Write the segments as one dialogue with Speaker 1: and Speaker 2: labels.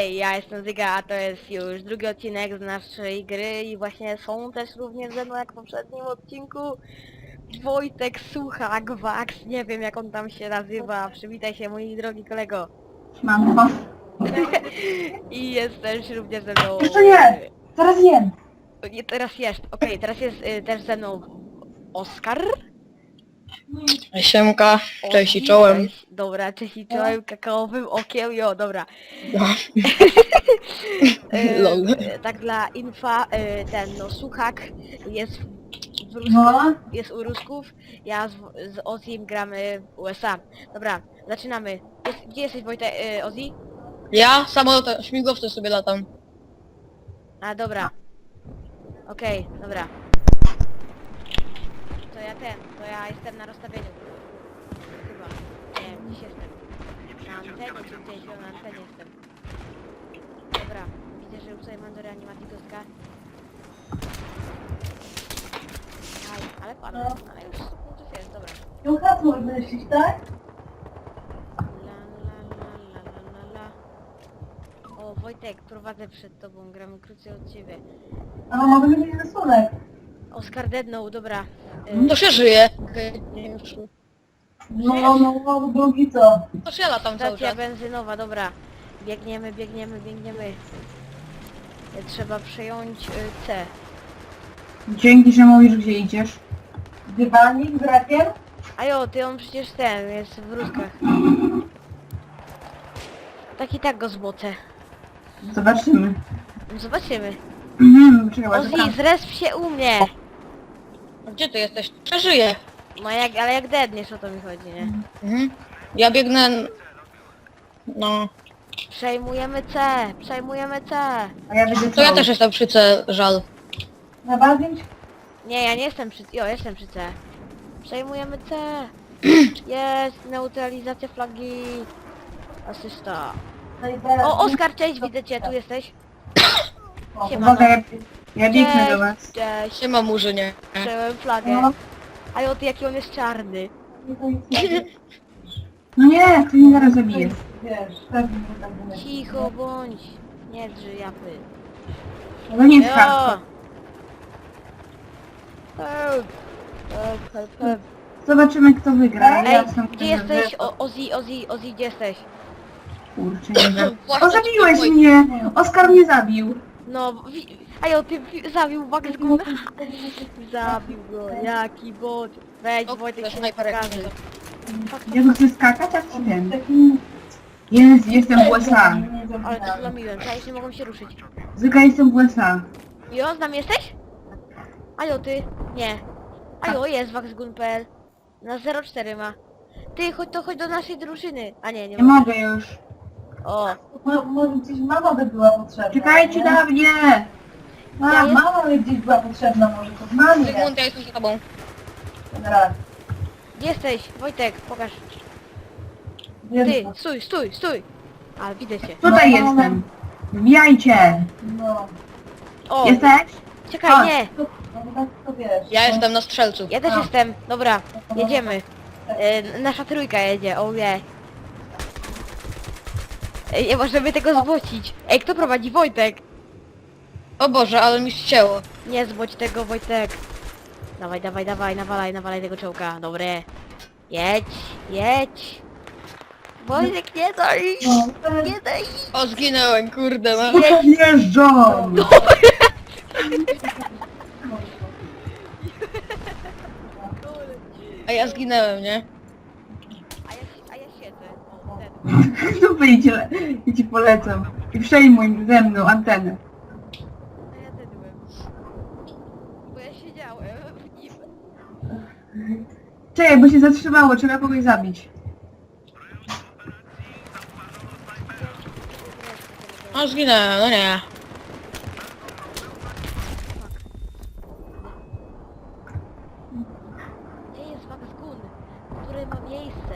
Speaker 1: Hej, ja jestem Zyga, a to jest już drugi odcinek z naszej gry i właśnie są też również ze mną jak w poprzednim odcinku Wojtek Suchak, Wax, nie wiem jak on tam się nazywa, przywitaj się mój drogi kolego.
Speaker 2: Mam was.
Speaker 1: I jest też również ze mną...
Speaker 2: Jeszcze nie! Teraz jem!
Speaker 1: Nie, teraz jest, okej, teraz jest też ze mną Oskar.
Speaker 3: Siemka, cześć i
Speaker 1: Ozzy,
Speaker 3: czołem.
Speaker 1: cześć. Dobra, cześć i czołem, kakaowym okiem, jo, dobra.
Speaker 3: No. Lol.
Speaker 1: Tak dla infa, no Suchak jest w Rusku,
Speaker 2: No.
Speaker 1: jest u Rusków, ja z Ozim gramy w USA. Dobra, zaczynamy. Gdzie jesteś Wojtek, Ozzy?
Speaker 3: Ja samolotem, śmigłowcem sobie latam.
Speaker 1: A dobra. Okej, dobra. To ja jestem na rozstawieniu. Chyba. Nie wiem, gdzieś jestem. Na antenie czy gdzieś, na antenie jestem. Dobra, widzę, że tutaj mam do reanimacji kostka. Aj, ale padłem, ale już 100 punktów jest, dobra.
Speaker 2: Ją hasło myślisz, tak?
Speaker 1: La la la la la la. O, Wojtek, prowadzę przed tobą, gramy krócej od ciebie.
Speaker 2: A mogę mieć rysunek.
Speaker 1: Oskar deadnął, dobra.
Speaker 3: To się żyje. Okej, nie już.
Speaker 2: No, drugi co?
Speaker 3: To się latam cały
Speaker 1: Stacja
Speaker 3: czas.
Speaker 1: benzynowa, dobra. Biegniemy. Trzeba przejąć C.
Speaker 2: Dzięki, że mówisz, gdzie idziesz. Dywanik z rakiem?
Speaker 1: A jo, ty on przecież ten, jest w Ruskach. Tak i tak go zbocę.
Speaker 2: Zobaczymy.
Speaker 1: No zobaczymy.
Speaker 2: Czekaj,
Speaker 1: Ozzy, zresp się u mnie!
Speaker 3: A gdzie ty jesteś? Przeżyję.
Speaker 1: No ale jak deadniesz, o to mi chodzi, nie?
Speaker 3: Mhm. Ja biegnę... No...
Speaker 1: Przejmujemy C!
Speaker 2: A ja będę
Speaker 3: To ja też jestem przy C, żal.
Speaker 2: Na bazdź?
Speaker 1: Nie, ja nie jestem przy... Jo, jestem przy C. Przejmujemy C! Jest! Neutralizacja flagi! Asysta. O, Oskar, cześć, widzę cię, tu jesteś. siemano.
Speaker 2: Uwaga, ja biegnę do was.
Speaker 1: Cześć!
Speaker 3: Nie ma murzynie.
Speaker 1: Przejąłem flagę.
Speaker 2: No,
Speaker 1: A jo, ty jaki on jest czarny.
Speaker 2: no nie, ty mnie zaraz zabijesz. Wiesz, pewnie tak będzie.
Speaker 1: Cicho bądź. Nie drży japy.
Speaker 2: No nie jest
Speaker 1: Jo!
Speaker 2: hardcore.
Speaker 1: Help.
Speaker 2: Zobaczymy, kto wygra.
Speaker 1: Ej,
Speaker 2: jestem
Speaker 1: gdzie jesteś? Ozzy, gdzie jesteś?
Speaker 2: Kurczę, nie wiem.
Speaker 3: Właśnie
Speaker 2: O, zabiłeś
Speaker 3: mój-
Speaker 2: mnie! Oskar mnie zabił.
Speaker 1: No, ajo, ty zabił Bugs Guna. Zabił go, jaki bot. Wejdź,
Speaker 3: O,
Speaker 1: Wojtek
Speaker 3: to
Speaker 1: się nie
Speaker 3: snajperek
Speaker 1: pokaże.
Speaker 3: nie
Speaker 2: Ja tu chcę skakać, a ci wiem. Jestem w USA.
Speaker 1: Ale to zlamiłem, ja już nie mogą się ruszyć.
Speaker 2: Zyka, jestem w USA.
Speaker 1: Jo, z nami jesteś? Ajo, ty? Nie. Ajo, jest Waxgun.pl. Na 04 ma. Ty, chodź do naszej drużyny. A nie
Speaker 2: Nie mogę już.
Speaker 1: O,
Speaker 4: Może gdzieś mama by była potrzebna.
Speaker 2: Czekajcie na mnie!
Speaker 1: Ja jest-
Speaker 4: Mama by gdzieś była potrzebna może, to mamie.
Speaker 3: Zygmunt, ja jestem za tobą.
Speaker 4: Raz.
Speaker 1: gdzie jesteś? Wojtek, pokaż.
Speaker 4: Wiesz,
Speaker 1: Ty, stój. A, widzę cię.
Speaker 2: Tutaj jestem. Wbijajcie!
Speaker 4: no,
Speaker 1: O,
Speaker 2: Jesteś?
Speaker 1: czekaj,
Speaker 2: Chodź.
Speaker 1: nie.
Speaker 4: no tak to wiesz.
Speaker 3: Ja jestem na strzelcu.
Speaker 1: Ja też jestem. Dobra, jedziemy. Nasza trójka jedzie, ojej. Ej, nie możemy tego zbocić. Ej, kto prowadzi? Wojtek.
Speaker 3: O Boże, ale mi ścięło.
Speaker 1: Nie zboć tego, Wojtek. Dawaj, nawalaj tego czołka. Dobre. Jedź. Wojtek, nie daj. Nie daj.
Speaker 3: O, zginęłem, kurde no.
Speaker 2: Podjeżdżam!
Speaker 3: A ja zginęłem, nie?
Speaker 1: A ja siedzę. O, ten.
Speaker 2: Tu wyjdzie, ja ci polecam. I przejmuj ze mną antenę.
Speaker 1: A ja dedłem. Bo ja siedziałem w nim.
Speaker 2: Czekaj, bo się zatrzymało, trzeba kogoś zabić.
Speaker 3: O, zginęłem, no nie.
Speaker 1: Gdzie jest Waxgun? Które ma miejsce?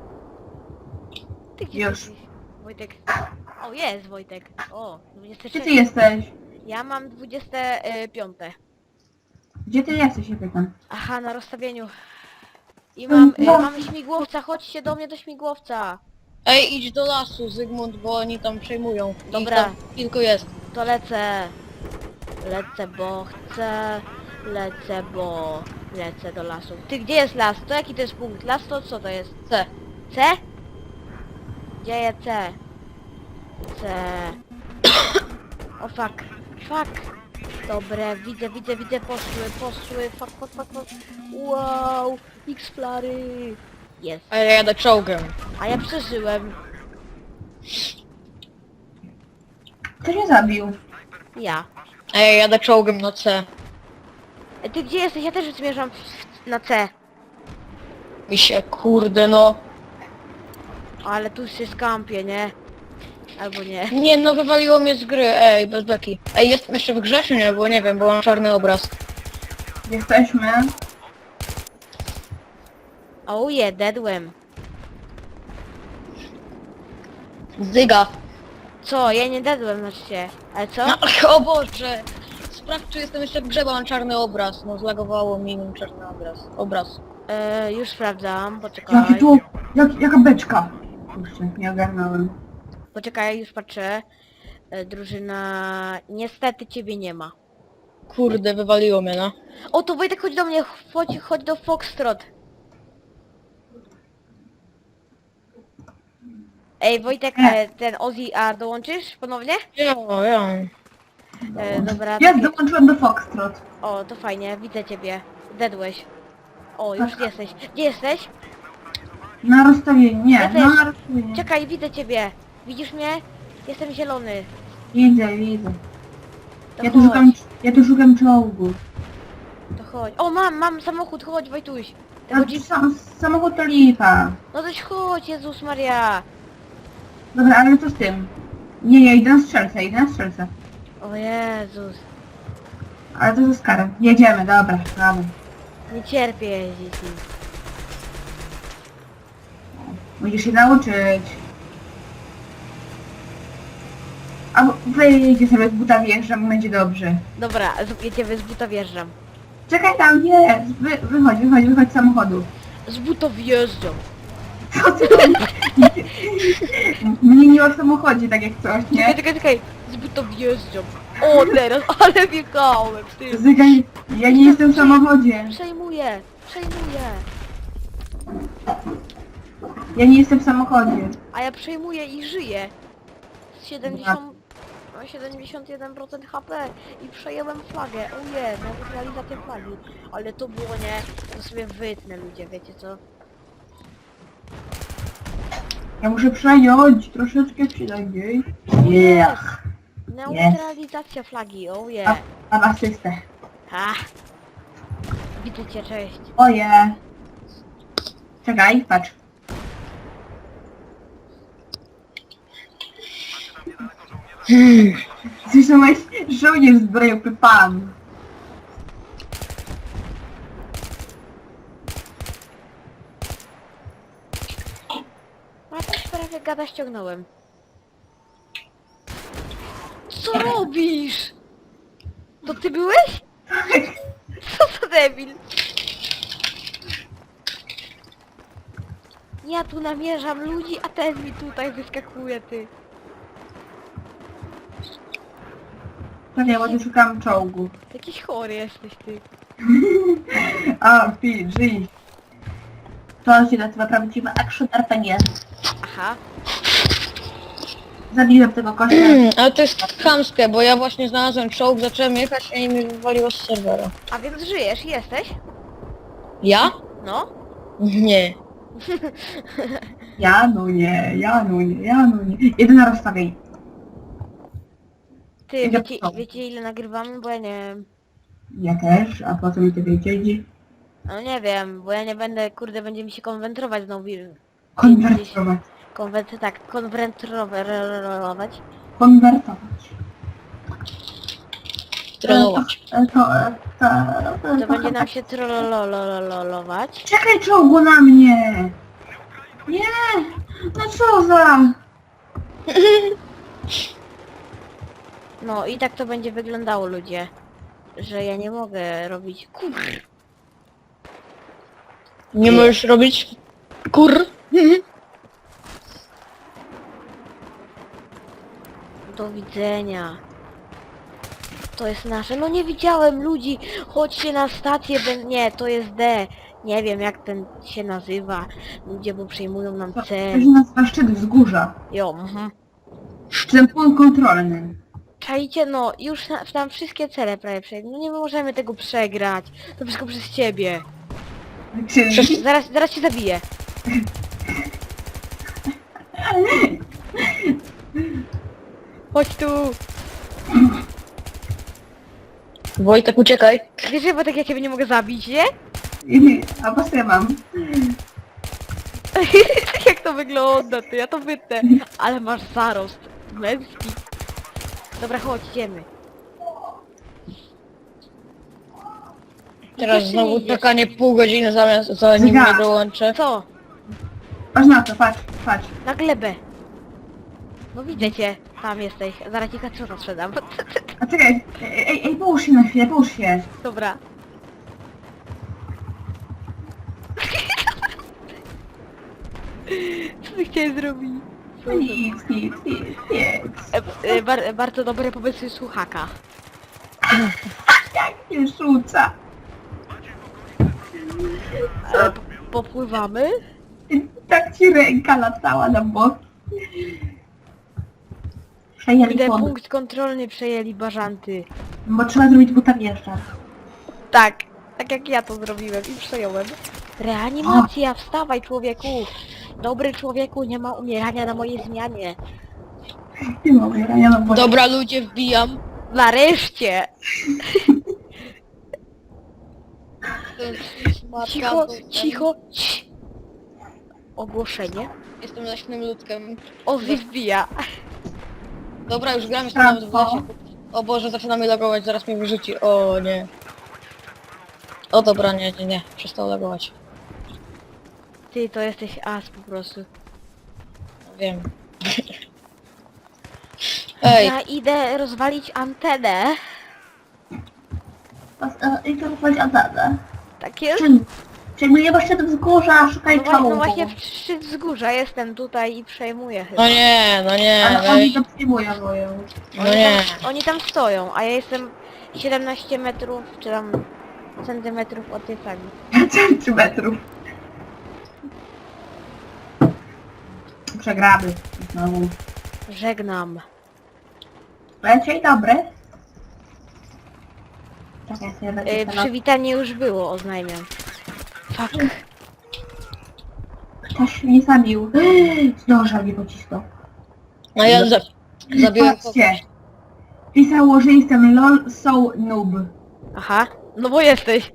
Speaker 1: Ty gdzie
Speaker 2: Już.
Speaker 1: jesteś? Wojtek. O, jest Wojtek. O,
Speaker 2: Gdzie
Speaker 1: 23.
Speaker 2: ty jesteś?
Speaker 1: Ja mam 25.
Speaker 2: Gdzie ty jesteś, się pytam.
Speaker 1: Aha, na rozstawieniu. I mam, mamy śmigłowca, chodźcie do mnie do śmigłowca.
Speaker 3: Ej, idź do lasu, Zygmunt, bo oni tam przejmują. Ich
Speaker 1: Dobra.
Speaker 3: tam kilku jest.
Speaker 1: To lecę. Lecę, bo chcę. Lecę, bo... Lecę do lasu. Ty, gdzie jest las? To jaki to jest punkt? Las to co to jest?
Speaker 3: C.
Speaker 1: C? Gdzie jest C? C. O fuck. Fuck. Dobre, widzę, poszły. Fuck. Wow. X-flary. Jest.
Speaker 3: A ja jadę czołgiem.
Speaker 1: A ja przeżyłem.
Speaker 2: Kto się zabił?
Speaker 1: Ja.
Speaker 3: A ja jadę czołgiem na C.
Speaker 1: Ty gdzie jesteś? Ja też zmierzam na C.
Speaker 3: Mi się, kurde no.
Speaker 1: Ale tu się skampię, nie? Albo nie.
Speaker 3: Nie no, wywaliło mnie z gry, ej, bez beki. Ej, jestem jeszcze w grze czy nie? Bo nie wiem, bo mam czarny obraz.
Speaker 2: Jesteśmy.
Speaker 1: Oh yeah, deadłem.
Speaker 3: Zyga.
Speaker 1: Co? Ja nie deadłem, znaczy się. Ale co?
Speaker 3: No, o Boże! Sprawdź, czy jestem jeszcze w grze, bo mam czarny obraz. No, zlagowało mi mam czarny obraz.
Speaker 1: Już sprawdzam, poczekaj.
Speaker 2: Jaki tu... jaka beczka? Kurczę, nie ogarnąłem.
Speaker 1: Poczekaj, już patrzę. Drużyna... Niestety ciebie nie ma.
Speaker 3: Kurde, wywaliło mnie, no.
Speaker 1: O, to Wojtek, chodź do mnie, chodź do Foxtrot. Ej, Wojtek, ten Ozzy, a dołączysz ponownie?
Speaker 3: Ja.
Speaker 1: Dobra,
Speaker 2: Ja dołączyłem do Foxtrot.
Speaker 1: o, to fajnie, widzę ciebie. Dedłeś. O, już jesteś. Gdzie jesteś?
Speaker 2: Na rozstawienie, nie,
Speaker 1: Ja też.
Speaker 2: na rozstawienie.
Speaker 1: Czekaj, widzę ciebie. Widzisz mnie? Jestem zielony.
Speaker 2: Widzę.
Speaker 1: To
Speaker 2: Ja tu
Speaker 1: chodź,
Speaker 2: szukam czołgu.
Speaker 1: to chodź. O, mam samochód, chodź Wojtuś. Ty
Speaker 2: A
Speaker 1: chodzi...
Speaker 2: samochód to lipa.
Speaker 1: No toś chodź, Jezus Maria.
Speaker 2: Dobra, ale co z tym? Nie, ja idę na strzelce.
Speaker 1: O Jezus.
Speaker 2: Ale to ze skarem. Jedziemy, dobra.
Speaker 1: Nie cierpię jeździć nim.
Speaker 2: Musisz się nauczyć. A wyjdzie sobie z buta, wjeżdżam, będzie dobrze.
Speaker 1: Dobra, jedziemy z buta wjeżdżam.
Speaker 2: Czekaj tam, nie! Wychodź z samochodu.
Speaker 1: Z buta wjeżdżam.
Speaker 2: Co ty Mnie nie ma w samochodzie, tak jak coś, nie?
Speaker 1: Czekaj. Z buta wjeżdżam. O, teraz, ale wjechałem, ty.
Speaker 2: Zygaj, ja nie jestem w samochodzie.
Speaker 1: Przejmuję.
Speaker 2: Ja nie jestem w samochodzie.
Speaker 1: A ja przejmuję i żyję. Z 71% HP i przejęłem flagę. Ojej, neutralizacja flagi. Ale to było nie... To sobie wytnę ludzie, wiecie co?
Speaker 2: Ja muszę przejąć troszeczkę przynajmniej. Yeah.
Speaker 1: Neutralizacja flagi, ojej.
Speaker 2: Mam asystę.
Speaker 1: Ha. Widzę cię, cześć.
Speaker 2: Oje. Czekaj, patrz. Słyszałeś? Żołnierz zbrojowny pan.
Speaker 1: A też prawie gada ściągnąłem. Co robisz? To ty byłeś? Co za debil? Ja tu namierzam ludzi, a ten mi tutaj wyskakuje, ty.
Speaker 2: Czekaj, bo tu szukam czołgu.
Speaker 1: Jakiś chory jesteś, ty.
Speaker 2: A, PG. To się nazywa prawdziwy action RPG.
Speaker 1: Aha.
Speaker 2: Zabiłem tego kościa.
Speaker 3: Ale to jest chamskie, bo ja właśnie znalazłem czołg, zacząłem jechać i mi wywaliło z serwera.
Speaker 1: A więc żyjesz, jesteś?
Speaker 3: Ja?
Speaker 1: No.
Speaker 3: Nie.
Speaker 2: Ja no nie. Jeden na rozstawień.
Speaker 1: Ty,
Speaker 2: Idę
Speaker 1: wiecie,
Speaker 2: po to.
Speaker 1: wiecie ile nagrywamy? Bo ja nie wiem.
Speaker 2: Ja też, a po co mi to wiedzieć?
Speaker 1: No nie wiem, bo ja nie będę, kurde, będzie mi się konwentrować znowu.
Speaker 2: Konwertować.
Speaker 1: Konwentrować.
Speaker 3: Trollować.
Speaker 1: To będzie nam się trollolować.
Speaker 2: Czekaj czołgu na mnie! Nie! No co za...
Speaker 1: No i tak to będzie wyglądało, ludzie. Że ja nie mogę robić...
Speaker 3: Nie możesz robić
Speaker 1: Do widzenia. To jest nasze. No nie widziałem ludzi. Chodźcie na stację. Nie, to jest D. Nie wiem jak ten się nazywa. Ludzie, bo przejmują nam
Speaker 2: To
Speaker 1: cel.
Speaker 2: się nazywa szczyt wzgórza.
Speaker 1: Jo, mhm.
Speaker 2: Ten punkt kontrolny.
Speaker 1: Czajcie, no, już tam wszystkie cele prawie przejdą. No nie możemy tego przegrać. To wszystko przez ciebie.
Speaker 2: Czyli...
Speaker 1: Zaraz cię zabiję. Chodź tu.
Speaker 3: Wojtek, uciekaj.
Speaker 1: Wiesz, że tak ja ciebie nie mogę zabić, nie?
Speaker 2: A po co ja mam?
Speaker 1: Tak jak to wygląda, to ja to wytnę. Ale masz zarost męski. Dobra, chodź, idziemy.
Speaker 3: Teraz
Speaker 1: Jeszcze
Speaker 3: znowu
Speaker 1: nie idziesz.
Speaker 3: czekanie pół godziny zanim
Speaker 2: Zga.
Speaker 3: mnie dołączę.
Speaker 1: Co?
Speaker 2: Patrz na to, patrz, patrz.
Speaker 1: Na glebę. No widzę cię. Tam jesteś. Zaraz ci kaczota sprzedam.
Speaker 2: A czekaj, ej, połóż się na chwilę, połóż się.
Speaker 1: Dobra. Co ty chciałeś zrobić?
Speaker 2: Nic.
Speaker 1: Bardzo dobre pomysły słuchaka.
Speaker 2: Jak się rzuca.
Speaker 1: Popływamy?
Speaker 2: Tak ci ręka latała na bok. Przejęli
Speaker 1: Gdy
Speaker 2: wodę.
Speaker 1: punkt kontrolny przejęli bażanty.
Speaker 2: Bo trzeba zrobić buta wjeżdża.
Speaker 1: Tak jak ja to zrobiłem i przejąłem. Reanimacja, wstawaj człowieku! Dobry człowieku, nie ma umierania na mojej zmianie.
Speaker 2: Nie mogę, ja mam wodę.
Speaker 3: Dobra, ludzie, wbijam.
Speaker 1: Nareszcie!
Speaker 3: Matka,
Speaker 1: Cicho,
Speaker 3: bo-
Speaker 1: cicho, cii. Ogłoszenie.
Speaker 3: Jestem leśnym ludkiem.
Speaker 1: Ozzy wbija.
Speaker 3: Dobra, już gram, jestem nawet w lesie. O Boże, zaczynamy logować, zaraz mnie wyrzuci. O nie. O dobra, nie. Przestał logować.
Speaker 1: Ty to jesteś as po prostu.
Speaker 3: Wiem. Ej,
Speaker 1: Ja idę rozwalić antenę.
Speaker 2: I to chodzi o dadę.
Speaker 1: Tak jest?
Speaker 2: Przejmuję właśnie do wzgórza, szukaj
Speaker 1: No,
Speaker 2: czołgu.
Speaker 1: no właśnie w szczyt wzgórza jestem tutaj i przejmuję chyba.
Speaker 3: no nie.
Speaker 2: Ale oni to przejmują moją.
Speaker 3: No nie.
Speaker 1: Oni tam stoją, a ja jestem 17 metrów, czy tam centymetrów od tej flagi.
Speaker 2: Centymetrów. Przegramy. Znowu.
Speaker 1: Żegnam.
Speaker 2: Dzień dobry. Czekaj, sobie będzie
Speaker 1: Przywitanie już było, oznajmiam. Fuck.
Speaker 2: Ktoś mnie zabił. Zdążał mnie pocisnął.
Speaker 3: No ja zabiłem kogoś.
Speaker 2: Patrzcie. Pisało, że jestem lol so noob.
Speaker 1: Aha, no bo jesteś.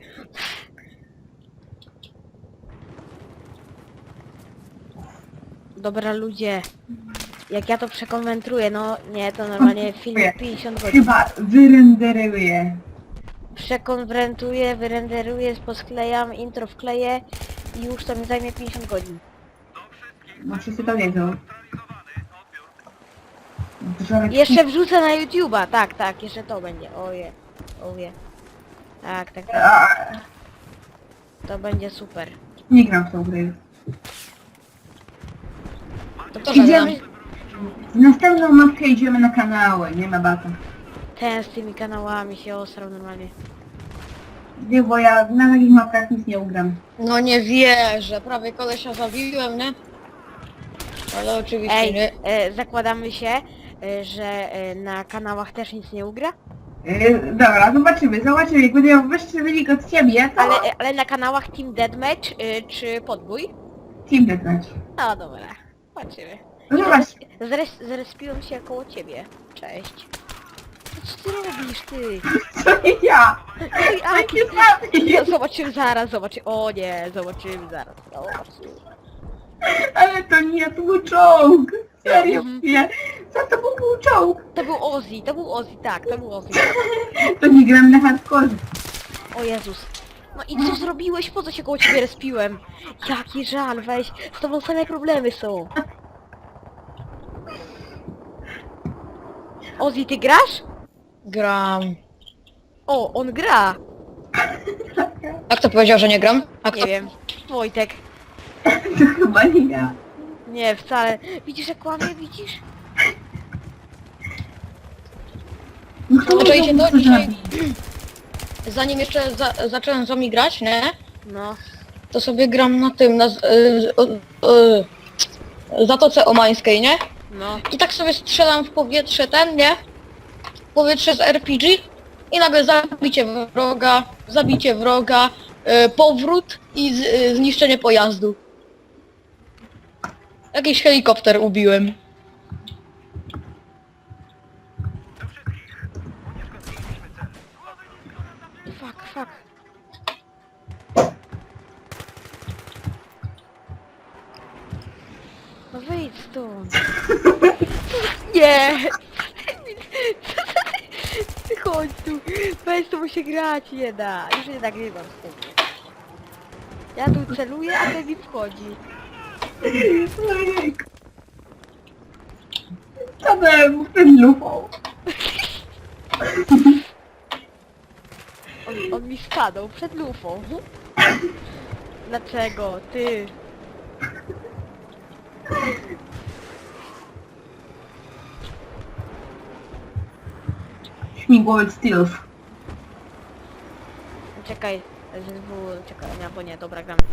Speaker 1: Dobra ludzie, jak ja to przekonwentruję, no nie, to normalnie film 50 godzin.
Speaker 2: Chyba wyrenderuję.
Speaker 1: Przekonwentuję, wyrenderuję, posklejam, intro wkleję i już to mi zajmie 50 godzin.
Speaker 2: No wszyscy to wiedzą. Drzewek
Speaker 1: Jeszcze wrzucę na YouTube'a, tak, jeszcze to będzie, oje. Tak, to będzie super.
Speaker 2: Nie gram w tą grę.
Speaker 3: To kto zagra?
Speaker 1: Idziemy
Speaker 2: W następną mapkę idziemy na kanały, nie ma bata.
Speaker 1: ten z tymi kanałami się osrał normalnie.
Speaker 2: Nie, bo ja na takich mapkach nic nie ugram.
Speaker 3: No nie wierzę, prawie kolesia zabiłem, nie? Ale oczywiście
Speaker 1: Ej,
Speaker 3: nie.
Speaker 1: zakładamy się, że na kanałach też nic nie ugra,
Speaker 2: Dobra, zobaczymy. Jak będę miał wyższy wynik od ciebie, to
Speaker 1: ale na kanałach Team Deathmatch czy Podbój?
Speaker 2: Team Deathmatch.
Speaker 1: No dobra, zobaczymy.
Speaker 2: No zobacz,
Speaker 1: Zrespiłem się koło ciebie. Cześć. Co ty robisz, ty?
Speaker 2: co nie ja.
Speaker 1: Ej, Aki,
Speaker 2: Nie zabiję.
Speaker 1: zobaczymy zaraz, O nie, zobaczymy zaraz.
Speaker 2: Ale to nie, to był czołg. Serio,
Speaker 1: Mhm.
Speaker 2: nie. Co to był czołg?
Speaker 1: To był Ozzy, tak, to był Ozzy.
Speaker 2: To nie gram na hardcore.
Speaker 1: O Jezus. No i co zrobiłeś? Po co się koło ciebie respiłem? Jaki żal, weź. Z tobą same problemy są. Ozzy, ty grasz?
Speaker 3: Gram.
Speaker 1: O, on gra.
Speaker 3: A kto powiedział, że nie gram? A
Speaker 1: Nie
Speaker 3: kto?
Speaker 1: wiem. Wojtek.
Speaker 2: To chyba nie ja.
Speaker 1: Nie, wcale. Widzisz jak kłamie, widzisz?
Speaker 2: No kto
Speaker 3: Zaczęli
Speaker 2: mnie
Speaker 3: się to
Speaker 2: chce
Speaker 3: dzisiaj-
Speaker 2: zabić?
Speaker 3: Zanim jeszcze zacząłem z wami grać, nie?
Speaker 1: No.
Speaker 3: To sobie gram na tym, na Zatoce Omańskiej, nie?
Speaker 1: No.
Speaker 3: I tak sobie strzelam w powietrze nie? W powietrze z RPG i nagle zabicie wroga, powrót i zniszczenie pojazdu. Jakiś helikopter ubiłem.
Speaker 1: Fuck. No wyjdź stąd. Nie! Ty chodź tu. Weź tu, mu się grać nie da. Już nie nagrywam z tym. Ja tu celuję, a ten mi wchodzi.
Speaker 2: Tadem, ten lufą.
Speaker 1: On mi stanął przed lufą. Dlaczego? Ty.
Speaker 2: Śmigłowiec Steelów.
Speaker 1: Czekaj. Czekaj, nie, bo nie, dobra, gram.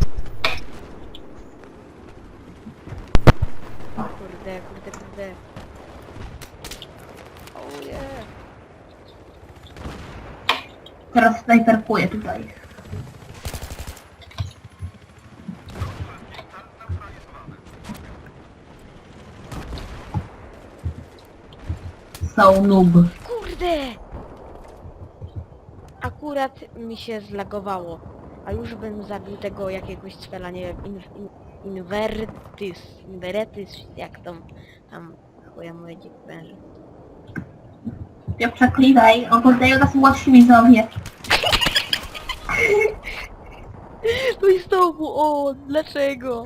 Speaker 1: Kurde. Oje.
Speaker 2: Teraz snajperkuję tutaj. So noob.
Speaker 1: Kurde! Akurat mi się zlagowało. A już bym zabił tego jakiegoś cwela, nie wiem, Invertys, jak tam chuja moje dzik węże.
Speaker 2: Nie przeklinaj, oglądają nas młodsi widzowie.
Speaker 1: No i znowu on, dlaczego?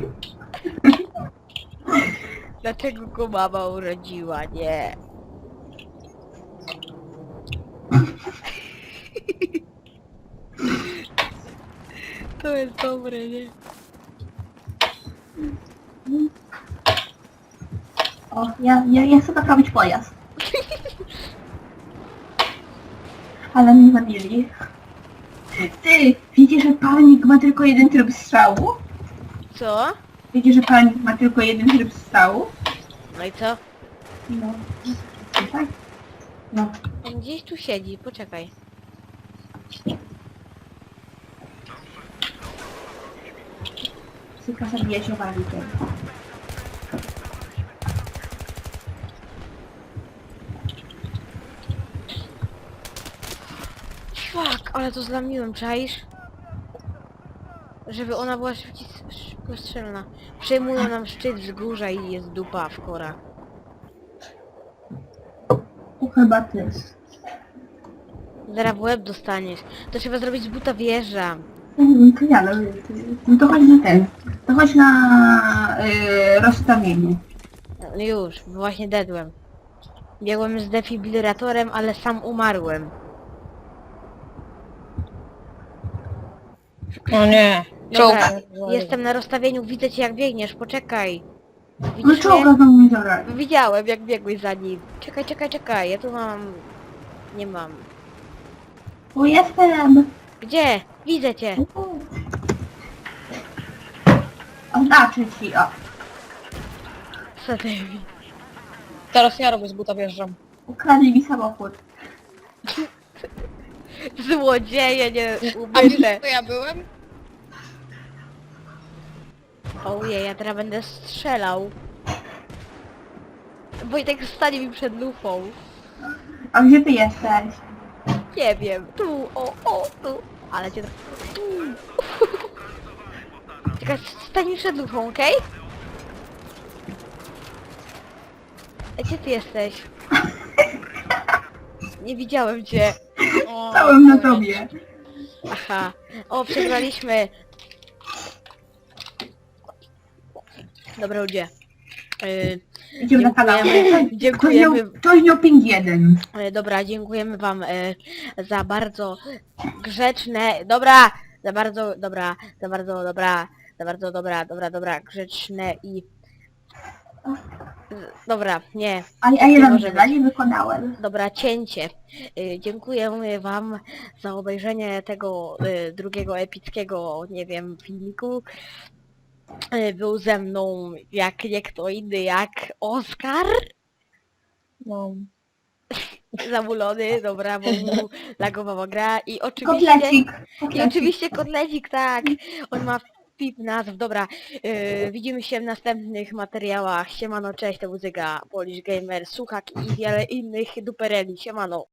Speaker 1: Dlaczego go mama urodziła, nie? To jest dobre, nie?
Speaker 2: O, ja chcę naprawić pojazd. Ale mnie zabili. Ty, wiecie, że palnik ma tylko jeden tryb strzału?
Speaker 1: Co?
Speaker 2: Wiecie, że palnik ma tylko jeden tryb strzału?
Speaker 1: No i co?
Speaker 2: No. Tak? No.
Speaker 1: On gdzieś tu siedzi, poczekaj.
Speaker 2: Tylko zabijać owalikiem.
Speaker 1: Fuck, ale to zlamiłem, czaisz? Żeby ona była szybko strzelna. Przejmują nam szczyt wzgórza i jest dupa w korach.
Speaker 2: To chyba ty.
Speaker 1: Zaraz w łeb dostaniesz. To trzeba zrobić z buta wieża.
Speaker 2: To ja, no to chodź na ten. To chodź na rozstawienie.
Speaker 1: No już, bo właśnie dedłem. Biegłem z defibrylatorem, ale sam umarłem.
Speaker 3: O nie.
Speaker 1: Dobra,
Speaker 3: Czołg.
Speaker 1: jestem na rozstawieniu, widzę cię jak biegniesz, poczekaj.
Speaker 2: No
Speaker 1: Widzisz
Speaker 2: czołga
Speaker 1: mnie?
Speaker 2: do mnie zabrać.
Speaker 1: Widziałem jak biegłeś za nim. Czekaj, ja tu mam... Nie mam.
Speaker 2: Tu jestem.
Speaker 1: Gdzie? Widzę cię.
Speaker 2: Oznaczę ci, o.
Speaker 1: Sadewi.
Speaker 3: Teraz ja robię z buta wjeżdżam.
Speaker 2: Ukradli mi samochód.
Speaker 1: Złodzieje, nie
Speaker 3: A wiesz,
Speaker 1: ubyte.
Speaker 3: kto ja byłem?
Speaker 1: Ojej, ja teraz będę strzelał. Wojtek stanie mi przed lufą.
Speaker 2: A gdzie ty jesteś?
Speaker 1: Nie wiem, tu, tu. Ale cię... Tu. Czekaj, stań mi przed lufą, okej? A gdzie ty jesteś? Nie widziałem cię.
Speaker 3: O,
Speaker 2: Stałem na
Speaker 3: kurde.
Speaker 2: tobie.
Speaker 1: Aha. O, przegraliśmy. Dobra, ludzie.
Speaker 2: Idziemy na kanał.
Speaker 1: Dziękujemy.
Speaker 2: Ktoś miał ping 1.
Speaker 1: Dobra, dziękujemy wam za bardzo grzeczne... Dobra! Grzeczne i Dobra, nie.
Speaker 2: A
Speaker 1: nie
Speaker 2: jeden
Speaker 1: może
Speaker 2: zadanie wykonałem.
Speaker 1: Dobra, cięcie. Dziękuję wam za obejrzenie tego drugiego epickiego, nie wiem, filmiku. Był ze mną jak nie kto inny, jak Oskar.
Speaker 3: No.
Speaker 1: Zamulony, dobra, bo mu lagowała gra i oczywiście...
Speaker 2: Kotlecik.
Speaker 1: I oczywiście kotlecik, tak. On ma pip nazw, dobra. Widzimy się w następnych materiałach. Siemano, cześć, to muzyka Polish Gamer, Suchak i wiele innych dupereli. Siemano.